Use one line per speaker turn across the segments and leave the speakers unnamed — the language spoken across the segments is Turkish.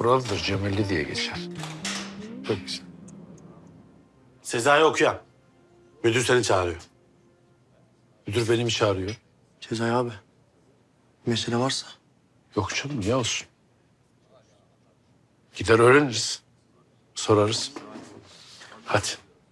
Buralıdır, Cemalli diye geçer. Çok güzel.
Sezai okuyan. Müdür seni çağırıyor.
Müdür beni mi çağırıyor?
Sezai abi. Mesele varsa.
Yok canım, niye olsun? Gider öğreniriz. Sorarız. Hadi.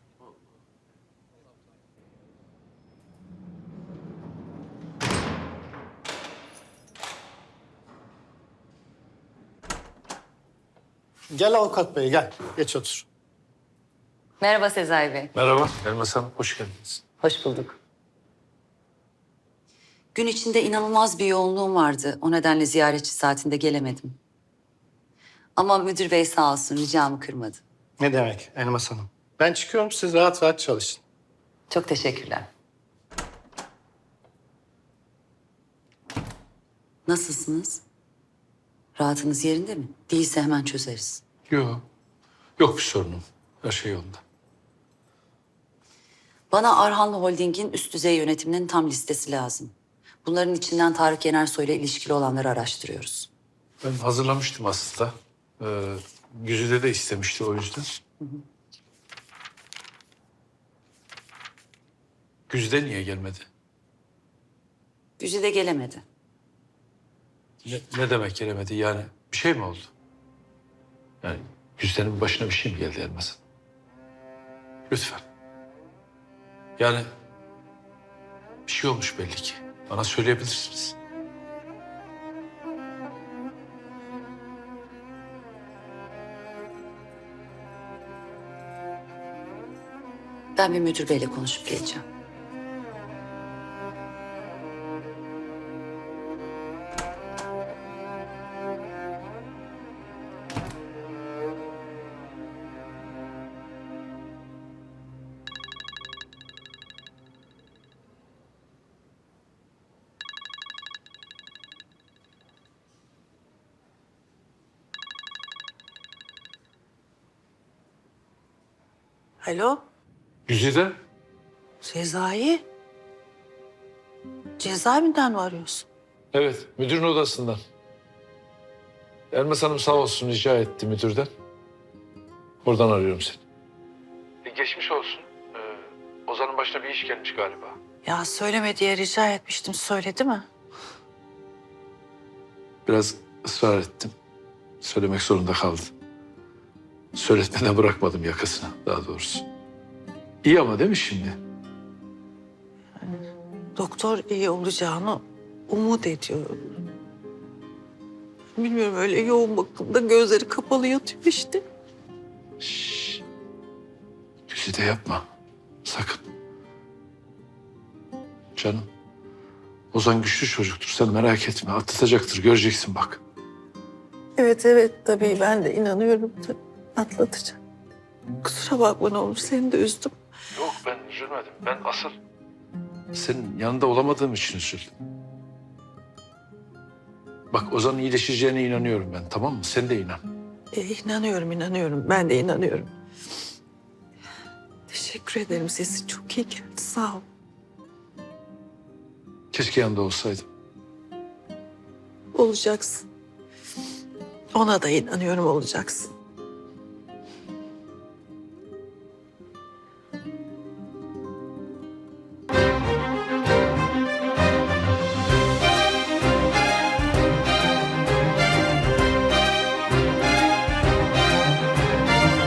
Gel avukat bey gel. Geç otur.
Merhaba Sezai Bey.
Merhaba, Elmas Hanım. Hoş geldiniz.
Hoş bulduk. Gün içinde inanılmaz bir yoğunluğum vardı. O nedenle ziyaretçi saatinde gelemedim. Ama müdür bey sağ olsun ricamı kırmadı.
Ne demek Elmas Hanım? Ben çıkıyorum, siz rahat rahat çalışın.
Çok teşekkürler. Nasılsınız? Rahatınız yerinde mi? Değilse hemen çözeriz.
Yok. Yok bir sorunum. Her şey yolunda.
Bana Arhanlı Holding'in üst düzey yönetiminin tam listesi lazım. Bunların içinden Tarık Yenersoy ile ilişkili olanları araştırıyoruz.
Ben hazırlamıştım aslında. Güzide de istemişti o yüzden. Güzide niye gelmedi?
Güzide gelemedi.
Ne demek gelemedi? Yani bir şey mi oldu? Yani Güzide'nin başına bir şey mi geldi Elmas Hanım? Lütfen. Yani bir şey olmuş belli ki. Bana söyleyebilirsiniz.
Ben bir müdür beyle konuşup geleceğim.
Alo,
Güzide?
Sezai. Cezaevinden mi arıyorsun?
Evet, müdürün odasından. Elmas Hanım sağ olsun rica etti müdürden. Oradan arıyorum seni. Geçmiş olsun. Ozan'ın başına bir iş gelmiş galiba.
Ya söyleme diye rica etmiştim, söyledi mi?
Biraz ısrar ettim. Söylemek zorunda kaldı. Söyletmeden bırakmadım yakasına daha doğrusu. İyi ama değil mi şimdi?
Doktor iyi olacağını umut ediyor. Bilmiyorum, öyle yoğun bakımda gözleri kapalı yatıyor işte.
Şşş. Güzide yapma. Sakın. Canım. Ozan güçlü çocuktur. Sen merak etme. Atlatacaktır. Göreceksin bak.
Evet tabii ben de inanıyorum tabii. Atlatacak. Kusura bakma ne olur, seni de üzdüm.
Yok ben üzülmedim. Ben asıl senin yanında olamadığım için üzüldüm. Bak Ozan'ın iyileşeceğine inanıyorum ben, tamam mı? Sen de inan.
İnanıyorum. Ben de inanıyorum. Teşekkür ederim. Sesin çok iyi geldi. Sağ ol.
Keşke yanında olsaydım.
Olacaksın. Ona da inanıyorum, olacaksın.